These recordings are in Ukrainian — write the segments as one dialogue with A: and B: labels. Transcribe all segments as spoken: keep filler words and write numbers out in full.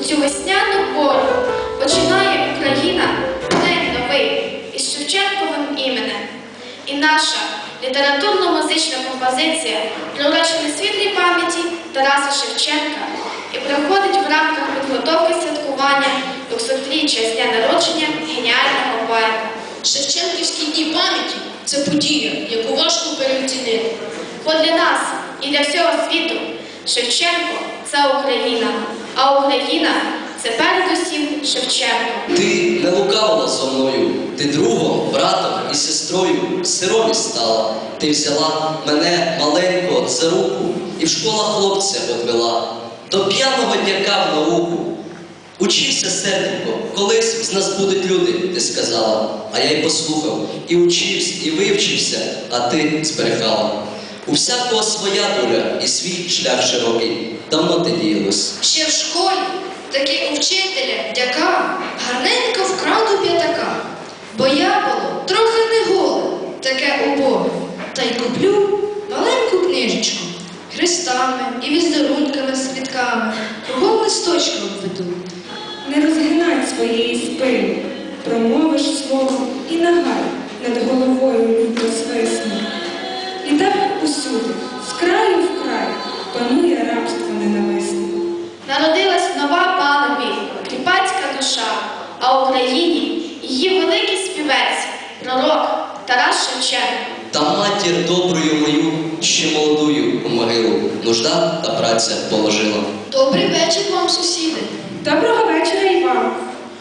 A: цю весняну пору починає Україна день новий із Шевченковим іменем. І наша літературно-музична композиція приурочена світлій пам'яті Тараса Шевченка і проходить в рамках підготовки святкування двохсотріччя з дня народження геніального поета.
B: Шевченківські дні пам'яті – це подія, яку важко переоцінити.
A: Бо для нас і для всього світу Шевченко – це Україна, а Україна – це передусім Шевченко.
C: Ти не лукавила зо мною, ти другом, братом і сестрою сиромі стала. Ти взяла мене маленького за руку і в школах хлопця одвела. До п'яного дяка в науку. Учися, серденько, колись з нас будуть люди, ти сказала. А я й послухав, і учився, і вивчився, а ти зберегала. У всякого своя доля і свій шлях широкий. Давно ти діялось.
B: Ще в школі, таки у вчителя, дяка, гарненько вкрав до п'ятака. Бо я було трохи не голе, таке убоге. Та й куплю маленьку книжечку, хрестами і візерунками світками, кругом листочком обведу.
D: Не розгинай своєї спини, промовиш слово і нагай над головою люто свисне. І так усюди, з краю в край, панує рабство ненависне.
A: Народилась нова панові, кріпацька душа, а в Україні її великий співець, пророк Тарас Шевченко.
C: Та матір доброю мою, ще молодую у могилу, нужда та праця положила.
B: Добрий вечір вам, сусіди.
D: Доброго вечора і вам.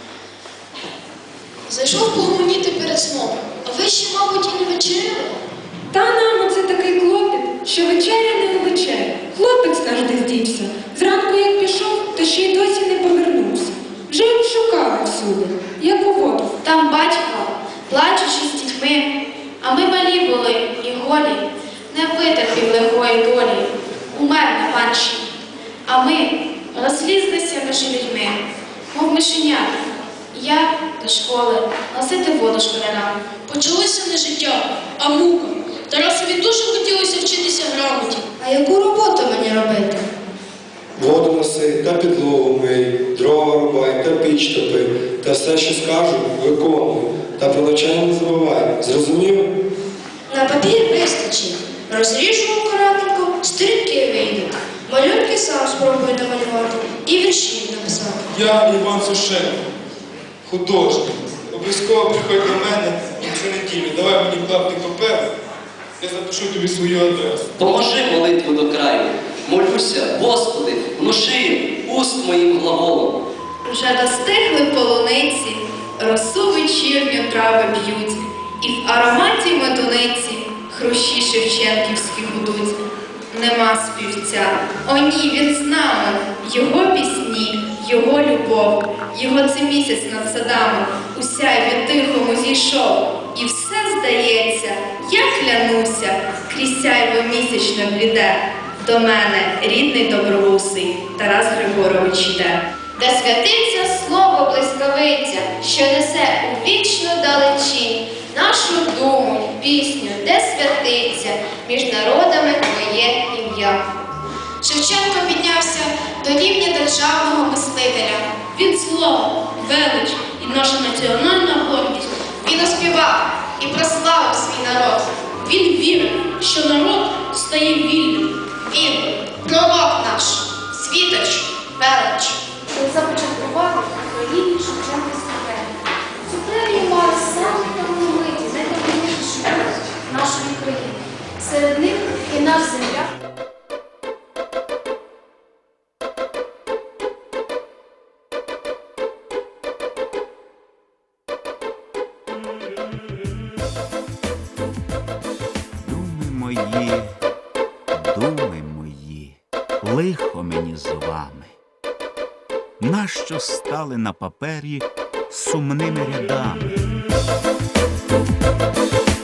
B: Зайшов погомоніти перед сном, а ви ще, мабуть, і не вечеряли?
D: Та нам оце такий клопіт, що вечеря не на вечеря. Хлопець наш десь дівся. Зранку як пішов, то ще й досі не повернувся. Вже його шукали всюди, як у воду.
A: Там батько, плачучи з дітьми, а ми малі були і голі, не витерпів лихої долі, умер на панщині. А ми розлізлися між людьми, мов мишенята. Я до школи носити воду школярам.
B: Почалося не життя, а мука. Тарасові дуже хотілося вчитися грамоті. А яку роботу мені робити?
E: Воду носи та підлогу мий, дрова рубай та піч топи, та все, що скажу, виконуй, та про навчання не забувай. Зрозумів?
B: На папір вистачить. Розріжу акуратненько, стрілки вийдуть. Малюнки сам спробую намалювати і вірші написати.
F: Я Іван Сушенко, художник. Обов'язково приходь до мене на цю неділю. Давай мені клаптик паперу, я запишу тобі свою адресу.
C: Поможи молитву до краю. Молюся, Господи, внуши уст моїм глаголом.
A: Вже достигли полуниці, росу вечірню трави б'ють, і в ароматі медуниці хрущі шевченківські гудуть. Нема співця, о ні, він з нами, його пісні, його любов, його це місяць над садами, у сяйві тихому зійшов. І все здається, я клянуся, крізь сяйво місячне бліде. До мене рідний добровусий Тарас Григорович йде. Де святиться слово блискавиця, що несе у вічну далечінь нашу думу, пісню, де святиться між народами твоє ім'я. Шевченко піднявся до рівня державного мислителя. Він слово, велич і наша національна гордість. Він оспівав і прославив свій народ. Він вірив, що народ стає вільним. Він пророк наш, світоч, велич.
G: Він започаткував Україні Шевченківську премію. Цю премію мали самі талановиті, найдавніші школи нашої країни. Серед них і наш земляк.
H: Думи мої, думи мої, лихо мені з вами. Нащо стали на папері сумними рядами?